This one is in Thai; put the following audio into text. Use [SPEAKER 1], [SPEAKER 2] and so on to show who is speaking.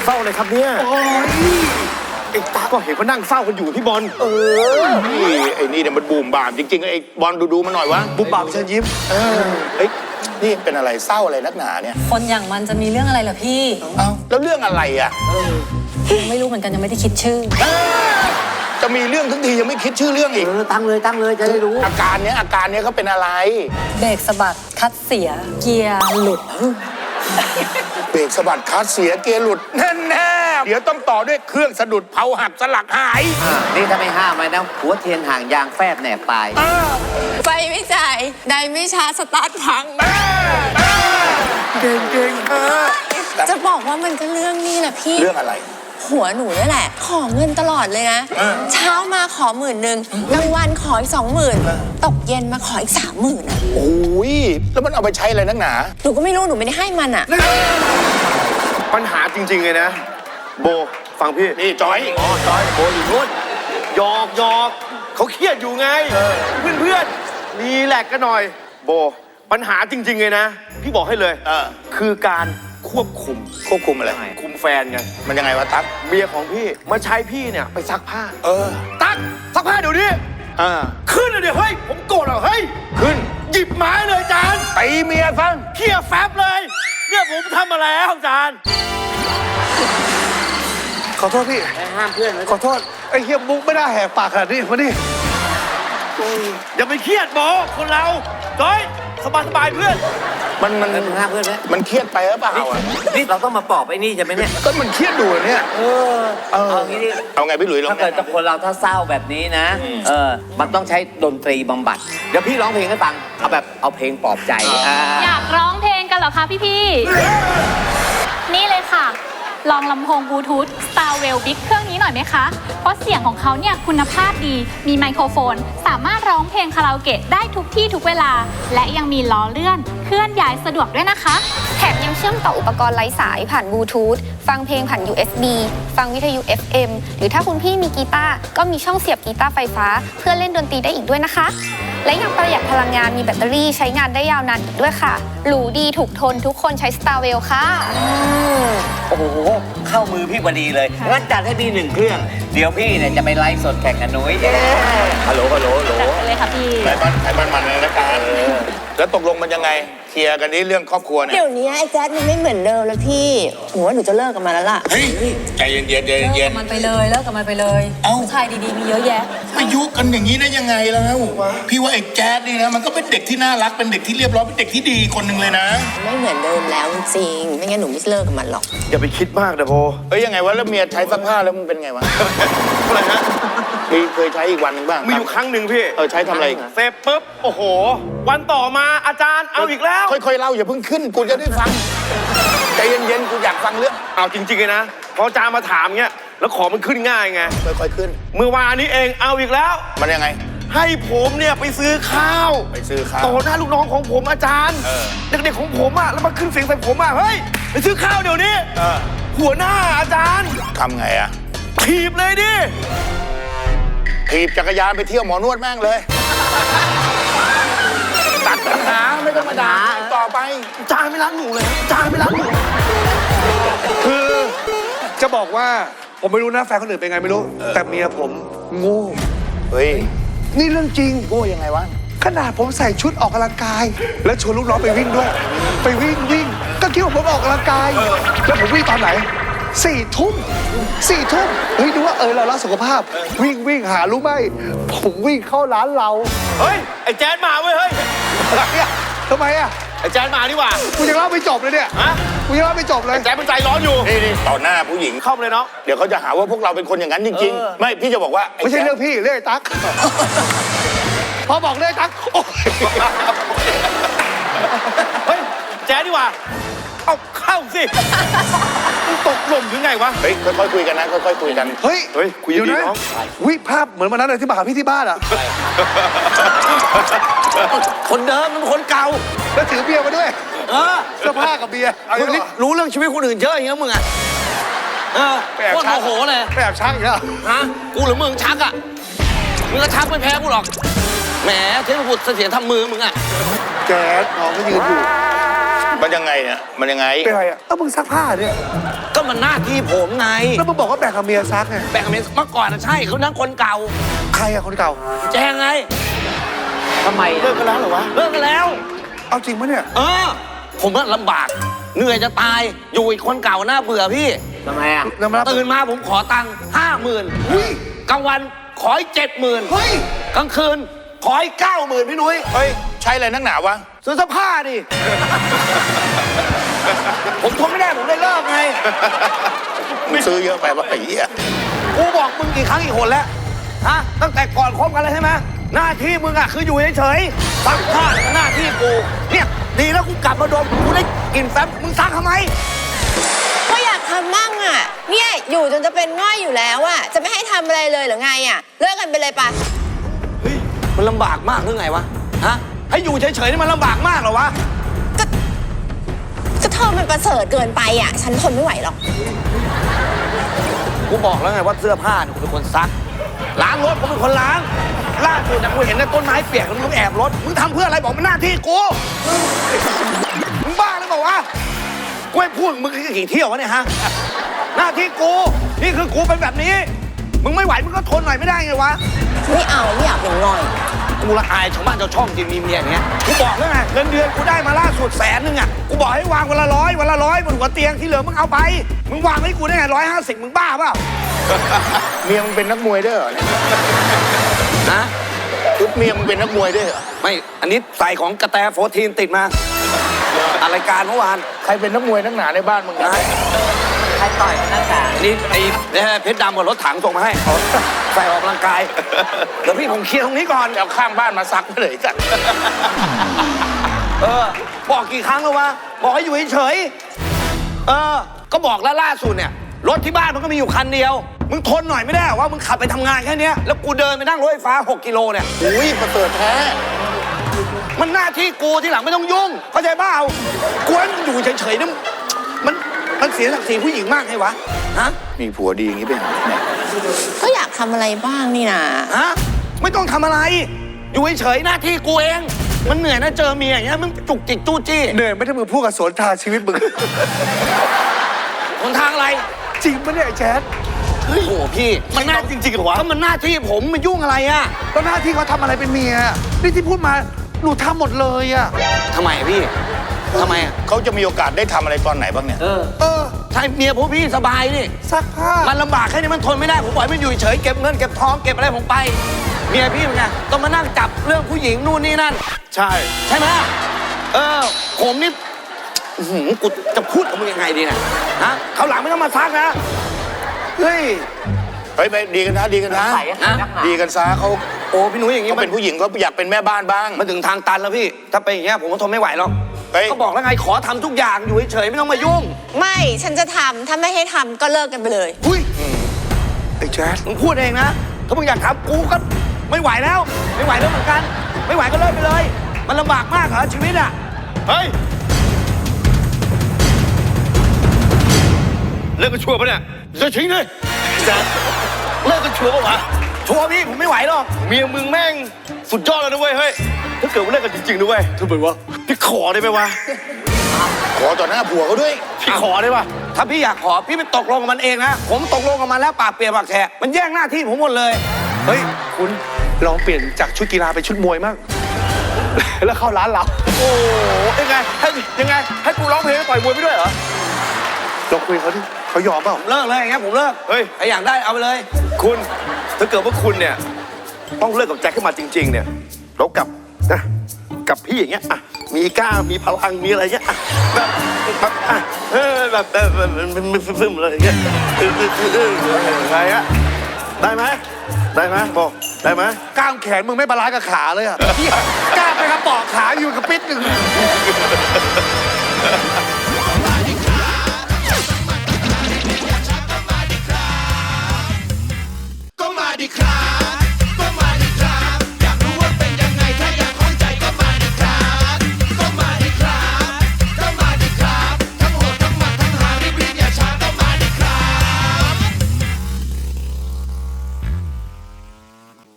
[SPEAKER 1] เฝ้าอะไรครับเนี่ยโอ้ยไอ้ตาก็เห็นเขานั่งเฝ้ากันอยู่พี่บอล
[SPEAKER 2] นี่ไอ้นี่เนี่ยมันบูมบามจริงๆไอ้บอลดูมันหน่อยวะ
[SPEAKER 1] บูมบามเชิญยิ้ม
[SPEAKER 2] เฮ้ยนี่เป็นอะไรเศร้าอะไรนักหนาเนี่ย
[SPEAKER 3] คนอย่างมันจะมีเรื่องอะไรเหรอพี่
[SPEAKER 2] เอ้าแล้วเรื่องอะไรอ่ะ
[SPEAKER 3] ไม่รู้เหมือนกันยังไม่ได้คิดชื่อ
[SPEAKER 2] จะมีเรื่องทั้งทียังไม่คิดชื่อเรื่องอีก
[SPEAKER 4] ตั้งเลยจะได้รู้
[SPEAKER 2] อาการเนี้ยเขาเป็นอะไร
[SPEAKER 3] เบรกสะบัดคัดเสียเกียร์หลุด
[SPEAKER 2] เบรกสะบัดคัดเสียเกียร์หลุดแน่ๆเดี๋ยวต้องต่อด้วยเครื่องสะดุดเผาหักสลักหาย
[SPEAKER 4] นี่ถ้าไม่ห้ามไว้นะหัวเทียนห่างยางแฟบแหนบปลาย
[SPEAKER 5] ไฟไม่จ่ายได้ไม่ชาร์จสตาร์ทพัง
[SPEAKER 2] เก่ง
[SPEAKER 5] จะบอกว่ามันก็เรื่องนี้แหละพี่
[SPEAKER 2] เรื่องอะไร
[SPEAKER 5] หัวหนูนี่แหละขอเงินตลอดเลยนะเช้ามาขอ10,000กลางวันขออีก20,000ตกเย็นมาขออีก30,000อ่ะ
[SPEAKER 2] โอ้ยแล้วมันเอาไปใช้อะไรนักหนา
[SPEAKER 5] หนูก็ไม่รู้หนูไม่ได้ให้มันอ่ะ
[SPEAKER 1] ปัญหาจริงๆเลยนะโบฟังพี่
[SPEAKER 2] นี่จอย
[SPEAKER 1] โบอยู่นู่นหยอกเขาเครียดอยู่ไงเพื่อนรีแลกซ์กันหน่อยโบปัญหาจริงๆเลยนะพี่บอกให้เลยคือการควบคุมอะไรคุมแฟนไง
[SPEAKER 2] มันยังไงวะตั๊ก
[SPEAKER 1] เมียของพี่มาใช้พี่เนี่ยไปซักผ้าตั๊กซักผ้าเดี๋ยวนี้ขึ้นเลยเดี๋ยวเฮ้ยผมโกรธเหรอเฮ้ยขึ้นหยิบไม้เลยจาน
[SPEAKER 2] ตีเมียฟัง
[SPEAKER 1] เขี่ยแฟบเลยเนี่ยผมทำอะไรครับจานขอโทษพี่
[SPEAKER 4] ห้ามเพื่อน
[SPEAKER 1] ขอโทษไอ้เฮียมุกไม่ได้แหกปากขนาดนี้มาดิอย่าไปเครียดบอกคนเราจ้อยสบายเพื่อน
[SPEAKER 4] มันห้ามเพื่อนไหม
[SPEAKER 2] มันเครียดไปหรือเปล่า
[SPEAKER 4] นี่เราต้องมาปอบไอ้นี่ใช่ไหมเนี่ย
[SPEAKER 2] ก็มันเครียดดูเนี่ย
[SPEAKER 4] เอางี้ดิ
[SPEAKER 2] เอาไงพี่หลุยลอง
[SPEAKER 4] ถ้าเกิดคนเราถ้าเศร้าแบบนี้นะมันต้องใช้ดนตรีบำบัดเดี๋ยวพี่ร้องเพลงให้ฟังเอาเพลงปลอบใจ
[SPEAKER 6] อยากร้องเพลงกันเหรอคะพี่นี่เลยค่ะลองลำโพงบลูทูธ Starwell Big เครื่องนี้หน่อยไหมคะเพราะเสียงของเขาเนี่ยคุณภาพดีมีไมโครโฟนสามารถร้องเพลงคาราโอเกะได้ทุกที่ทุกเวลาและยังมีล้อเลื่อนเคลื่อนย้ายสะดวกด้วยนะคะ
[SPEAKER 5] แถมยังเชื่อมต่ออุปกรณ์ไร้สายผ่านบลูทูธฟังเพลงผ่าน USB ฟังวิทยุ FM หรือถ้าคุณพี่มีกีตาร์ก็มีช่องเสียบกีตาร์ไฟฟ้าเพื่อเล่นดนตรีได้อีกด้วยนะคะและยังประหยัดพลังงานมีแบตเตอรี่ใช้งานได้ยาวนานอีกด้วยค่ะหรูดีถูกทนทุกคนใช้ Starwell ค่ะ
[SPEAKER 4] โอ้โหเข้ามือพี่พอดีเลยงั้นจัดให้พี่1 เครื่องเดี๋ยวพี่เนี่ยจะไปไลฟ์สดแข่งกับนุ้ยฮัลโหล
[SPEAKER 6] จัดเลยค่ะพี่
[SPEAKER 2] ไอ้มันเลยนะการแล้วตกลงมันยังไงเคลียร์กันนี้เรื่องครอบครัวเนี่ย
[SPEAKER 5] เดี๋ยวนี้ไอ้แจ๊ดมันไม่เหมือนเดิมแล้วพี่หนูว่าหนูจะเลิกกับมันแล้วล่ะ
[SPEAKER 2] เฮ้ยใจเย็น
[SPEAKER 3] เลิกกับมันไปเลยผู้ชายดีๆมีเยอะแยะ
[SPEAKER 2] มายุกันอย่างนี้ได้ยังไงแล้วพี่ว่าไอ้แจ๊ดนี่นะมันก็เป็นเด็กที่น่ารักเป็นเด็กที่เรียบร้อยเป็นเด็กที่ดีคนหนึ่งเลยนะ
[SPEAKER 5] ไม่เหมือนเดิมแล้วจริงไม่งั้นหนูไม่เลิกกับมันหรอก
[SPEAKER 1] อย่าไปคิดมากนะโบ
[SPEAKER 2] ยังไงวะแล้วเมียใช้ซักผ้าแล้วมันเป็นไงวะอะไรฮะเคยใช้อีกวันนึงบ้าง
[SPEAKER 1] มีอยู่ครั้งหนึ่งพี่
[SPEAKER 2] ใช้ทำอะไร
[SPEAKER 1] เสร็จปุ๊บโอ้โหวันต่อมาอาจารย์เอาอีกแล้ว
[SPEAKER 2] ค่อยๆเล่าอย่าเพิ่งขึ้นกูจะได้ฟังใจเย็นๆกูอยากฟังเรื่อง
[SPEAKER 1] เอาจริงๆเลยนะพออาจารย์มาถามเงี้ยแล้วของมันขึ้นง่ายไง
[SPEAKER 2] ค่อยๆขึ้น
[SPEAKER 1] เมื่อวานนี้เองเอาอีกแล้ว
[SPEAKER 2] มันยังไง
[SPEAKER 1] ให้ผมเนี่ยไปซื้อข้าวต่อหน้าลูกน้องของผมอาจารย์เด็กๆของผมอ่ะแล้วมาขึ้นเสียงใส่ผมอ่ะเฮ้ยไปซื้อข้าวเดี๋ยวนี้หัวหน้าอาจารย์
[SPEAKER 2] ทำไงอ่ะ
[SPEAKER 1] ถีบเลยดิ
[SPEAKER 2] ถีบจักรยานไปเที่ยวหมอนวดแม่งเลยตัดปัญหาไม่ต้องมาด่าต่อไป
[SPEAKER 1] จานไม่รักหนูเลยจานไม่รักหนู
[SPEAKER 7] คือจะบอกว่าผมไม่รู้นะแฟนคนอื่นเป็นไงไม่รู้แต่เมียผมโง่
[SPEAKER 2] เฮ้ย
[SPEAKER 7] นี่เรื่องจริง
[SPEAKER 2] โง่ยังไงวะ
[SPEAKER 7] ขนาดผมใส่ชุดออกกำลังกายแล้วชวนลูกน้องไปวิ่งด้วยไปวิ่งก็คิดว่าผมออกกำลังกายแล้วผมวิ่งตอนไหน4 ทุ่มเฮ้ยดูว่าเรารักสุขภาพวิ่งหารู้ไหมผมวิ่งเข้าร้านเรา
[SPEAKER 1] เฮ้ยไอ้แจ๊ดมาเว้ยเฮ้ย
[SPEAKER 7] ทำไมอ่ะ
[SPEAKER 1] ไอ้แจ๊ดมานี่หว่า
[SPEAKER 7] กูยังเล่าไม่จบเลยเนี่ยกูยังเล่าไม่จบเลย
[SPEAKER 1] แจ๊ดมันใจร้อนอยู่
[SPEAKER 2] นี่ต่อหน้าผู้หญิง
[SPEAKER 1] เข้าเลยเนาะ
[SPEAKER 2] เดี๋ยวเขาจะหาว่าพวกเราเป็นคนอย่างนั้นจริงๆไม่พี่จะบอกว่า
[SPEAKER 7] ไม่ใช่เรื่องพี่เรื่องตั๊กพอบอกเรื่องตั๊ก
[SPEAKER 1] เฮ้ยแจ๊ดนี่หว่าเอาเข้าสิตกหล่มหรือไงวะ
[SPEAKER 2] เฮ้ยค่อยๆคุยกันนะค่อยๆคุยกัน
[SPEAKER 7] เฮ้ยคุยดีน้องวิภาพเหมือนวันนั้นเลยที่มาหาพี่ที่บ้านอ่ะ
[SPEAKER 4] คนเดิมมันคนเก่า
[SPEAKER 7] แล้วถือเบียร์มาด้วยเสื้อผ้ากับเบียร์
[SPEAKER 4] มึงนี่รู้เรื่องชีวิตคนอื่นเยอะอย่างเงี้ยมึงอ่ะโคตรโมโหเลย
[SPEAKER 7] ไปแอบชักอีกแล้ว
[SPEAKER 4] ฮะกูหรือมึงชักอ่ะมึงก็ชักไม่แพ้กูหรอกแหมเทพบุตรเสียทำมือมึงอ่ะ
[SPEAKER 7] แก๊สน้องก็ยืนอยู่
[SPEAKER 2] มันยังไงเนี่ยมันยังไง
[SPEAKER 7] เป็นไรอ่ะมึงซักผ้าเนี่ย
[SPEAKER 4] ก็มันหน้าที่ผมไง
[SPEAKER 7] แล้วมึงบอกว่าแบ่งกับเมียซักไง
[SPEAKER 4] แบ่งกับเมียเมื่อก่อนนะใช่เขานั่งคนเก่า
[SPEAKER 7] ใครอะคนเก่า
[SPEAKER 4] แจงไงทำไม
[SPEAKER 1] เลิกกันแล้วเหรอวะ
[SPEAKER 4] เลิกกันแล้ว
[SPEAKER 7] เอาจริงปะเนี่ย
[SPEAKER 4] ผมว่าลำบาก เหนื่อยจะตาย อยู่อีกคนเก่าน่าเบื่อพี่ทำไมอ่ะ
[SPEAKER 7] น้ำรับ
[SPEAKER 4] ตื่นมาผมขอตังค์50,000
[SPEAKER 7] เฮ้ย
[SPEAKER 4] กลางวันขออีก70,000
[SPEAKER 7] เฮ้ย
[SPEAKER 4] กลางคืนขออีก90,000พี่นุ้ย
[SPEAKER 2] เฮ้ย ใช้อะไรนักหนาวะ
[SPEAKER 4] ซื้อเสื้อผ้าดิ ผมทนไม่ได้ผมเลยเลิกไง
[SPEAKER 2] มึงซื้อเยอะไปวะไอ้เหี้ย
[SPEAKER 4] กูบอกมึงกี่ครั้งกี่หนแล้ว ฮะ ตั้งแต่ก่อนคบกันเลยใช่ไหมหน้าที่มึงอะคืออยู่เฉยๆซักผ้าหน้าที่กู เนี่ยดีแล้วกูกลับมาดมกูได้กลิ่นแฟบมึงซักทำไม
[SPEAKER 8] ก็อยากทำมั่งอ่ะ เนี่ยอยู่จนจะเป็นง่อยอยู่แล้วอ่ะ จะไม่ให้ทำอะไรเลยหรือไงอ่ะ เลิกกันไปเลยปะ
[SPEAKER 4] มันลำบากมากหรือไงวะ ฮะ ให้อยู่เฉยๆนี่มันลำบากมากเหรอวะ
[SPEAKER 8] ก็เธอมันประเสริฐเกินไปอ่ะ ฉันทนไม่ไหวหรอก
[SPEAKER 4] กูบอกแล้วไงว่าเสื้อผ้าเนี่ยกูเป็นคนซัก ล้างรถกูเป็นคนล้าง ล่าสุดนะกูเห็นในต้นไม้เปียกแล้วมึงแอบรถ มึงทำเพื่ออะไรบอกมันหน้าที่กู มึงบ้าหรือเปล่าวะ กูให้พูดมึงกี่เที่ยววะเนี่ยฮะ หน้าที่กู นี่คือกูเป็นแบบนี้ มึงไม่ไหวมึงก็ทนหน่อยไม่ได้ไงวะ
[SPEAKER 8] ไม่เอาไม่อยากเป็นง่อย
[SPEAKER 4] กูละอายชาวบ้านชาวช่องจริงมีเมียอย่างเงี้ย กูบอกแล้วไงเงินเดือนกูได้มาล่าสุด100,000อ่ะ กูบอกให้วางวันละ100วันละ100บนหัวเตียงที่เหลือมึงเอาไป มึงวางให้กูได้ไง150มึงบ้าเปล่า
[SPEAKER 2] เมียมึงเป็นนักมวยด้วยเหรอเนี่ย
[SPEAKER 4] ฮะ
[SPEAKER 2] ชุดเมียมึงเป็นนักมวยด้วยเหรอ
[SPEAKER 4] ไม่ อันนี้ใส่ของกระแตโฟทีนติดมาอะไรายการเมื่อวาน
[SPEAKER 2] ใครเป็นนักมวยนักหนาในบ้านมึงนะ
[SPEAKER 4] ใครต่อยนักกานี่ไอ้เพชรดำกับรถถังส่งมาให้ใส่ออกกำลังกายเดี๋ยวพี่ผมเคลียร์ตรงนี้ก่อน
[SPEAKER 2] เอาข้างบ้านมาซักไปเลยกัน
[SPEAKER 4] บอกกี่ครั้งแล้ววะ บอกให้อยู่เฉยๆก็บอกแล้วล่าสุดเนี่ย รถที่บ้านมันก็มีอยู่คันเดียว มึงทนหน่อยไม่ได้เหรอว่ามึงขับไปทำงานแค่เนี้ยแล้วกูเดินไปนั่งรถไฟฟ้า6 กิโลเนี่ย
[SPEAKER 2] อุ้ยประเสริฐแท้
[SPEAKER 4] มันหน้าที่กูที่หลังไม่ต้องยุ่ง เข้าใจเปล่ากูให้มึงอยู่เฉยๆนี่มันเสียศักดิ์ศรีผู้หญิงมากไงวะ ฮะ
[SPEAKER 2] มีผัวดีอย่างนี้เป็นไง
[SPEAKER 8] ก็อยากทำอะไรบ้างนี่นะ
[SPEAKER 4] ฮะ ไม่ต้องทำอะไร อยู่เฉยๆหน้าที่กูเอง มันเหนื่อยนะเจอเมียอย่างเงี้ยมึงจุกจิกจู้จี้
[SPEAKER 7] เหนื่อยไม่ได้มึงพูดกับสวนทางชีวิตมึง
[SPEAKER 4] หนทางอะไร
[SPEAKER 7] จริงปะเนี่ยไอ้แจ๊ด
[SPEAKER 4] เฮ้ยโอ้โหพี่ มันหน้าจริงๆเหรอวะถ้ามันหน้าที่ผมมันยุ่งอะไรอะ
[SPEAKER 7] แล้วหน้าที่เขาทำอะไรเป็นเมีย นี่ที่พูดมาหนูทำหมดเลยอะ
[SPEAKER 4] ทำไมอะพี่ทำไมอะ
[SPEAKER 2] เขาจะมีโอกาสได้ทำอะไรตอนไหนบ้างเนี่ย
[SPEAKER 4] ใช่เมียพวกพี่สบายนี่
[SPEAKER 7] ซักผ้า
[SPEAKER 4] มันลำบากแค่นี้มันทนไม่ได้ผมปล่อยมันอยู่เฉยเก็บเงินเก็บทองเก็บอะไรผมไป เมียพี่เป็นไงต้องมานั่งจับเรื่องผู้หญิงนู่นนี่นั่น
[SPEAKER 1] ใช่
[SPEAKER 4] ใช่ไหมผมนี่อื้อหือกูจะพูดกับมึงยังไงดีเนี่ยฮะเขาวหลังไม่ต้องมาซักนะ เฮ้ย
[SPEAKER 2] เฮ้ยไปดีกันนะดีกันนะ
[SPEAKER 4] นะ
[SPEAKER 2] ดีกันซะเขา
[SPEAKER 4] โอ้พี่หนุ่ยอย่างงี้
[SPEAKER 2] เขาเป็นผู้หญิงเขาอยากเป็นแม่บ้านบ้าง
[SPEAKER 4] มันถึงทางตันแล้วพี่ ถ้าเป็นอย่างเงี้ยผมก็ทนไม่ไหวหรอก
[SPEAKER 2] เฮ้ย
[SPEAKER 4] เขาบอกแล้วไงขอทำทุกอย่างอยู่เฉยๆไม่ต้องมายุ่ง
[SPEAKER 8] ไม่ ฉันจะทำถ้าไม่ให้ทำก็เลิกกันไปเลย
[SPEAKER 4] อุ้ย
[SPEAKER 7] ไอ้แจ๊ด
[SPEAKER 4] มึงพูดเองนะ ถ้ามึงอยากทำกูก็ไม่ไหวแล้ว ไม่ไหวแล้วเหมือนกัน ไม่ไหวก็เลิกไปเลย มันลำบากมากเหรอชีวิตอ่ะ
[SPEAKER 1] เฮ้ย เลิกกันชัวร์ปะเนี่ยจะทิ้งเลยจะเลิกกันชัวร์ปะวะ
[SPEAKER 4] ชัวร์พี่ผมไม่ไหวหรอก
[SPEAKER 1] เมียมึงแม่งสุดยอดเลยนะเว้ย เฮ้ย ถ้าเกิดว่าเลิกกันจริงๆนะเว้ยทำไมวะ พี่ขอได้ไหมวะ
[SPEAKER 2] ขอต่อหน้าผัวเขาด้วย
[SPEAKER 1] พี่ขอได้ปะ
[SPEAKER 4] ถ้าพี่อยากขอพี่ไปตกลงกับมันเองนะ ผมตกลงกับมันแล้วปากเปียกปากแฉะมันแย่งหน้าที่ผมหมดเลย
[SPEAKER 7] เฮ้ย คุณลองเปลี่ยนจากชุดกีฬาเป็นชุดมวยมั่ง แล้วเข้าร้านเรา
[SPEAKER 1] โอ้โหยังไง ยังไง ให้กูร้องเพลงแล้วต่อยมวยไปด้วยเหรอ
[SPEAKER 7] ลองคุยกับเขาดิเขายอมเปล่า
[SPEAKER 4] ผมเลิกเลยอย่างเงี้ยผมเลิก
[SPEAKER 1] เฮ้ย
[SPEAKER 4] ใครอยากได้เอาไปเลย
[SPEAKER 1] คุณ ถ้าเกิดว่าคุณเนี่ย ต้องเลิกกับแจ็คขึ้นมาจริง ๆ เนี่ยแล้วกับนะกับพี่อย่างเงี้ยอ่ะมีกล้ามีพลังมีอะไรเงี้ยอ่ะแบบอ่ะมันซึมๆอะไรอย่างเงี้ยไงอะได้ไหมได้ไหมบอกได้ไหม
[SPEAKER 7] กล้ามแขนมึงไม่บาลานซ์กับขาเลยอะกล้ามไปกระปอกขาอยู่กับปิดหนึ่ง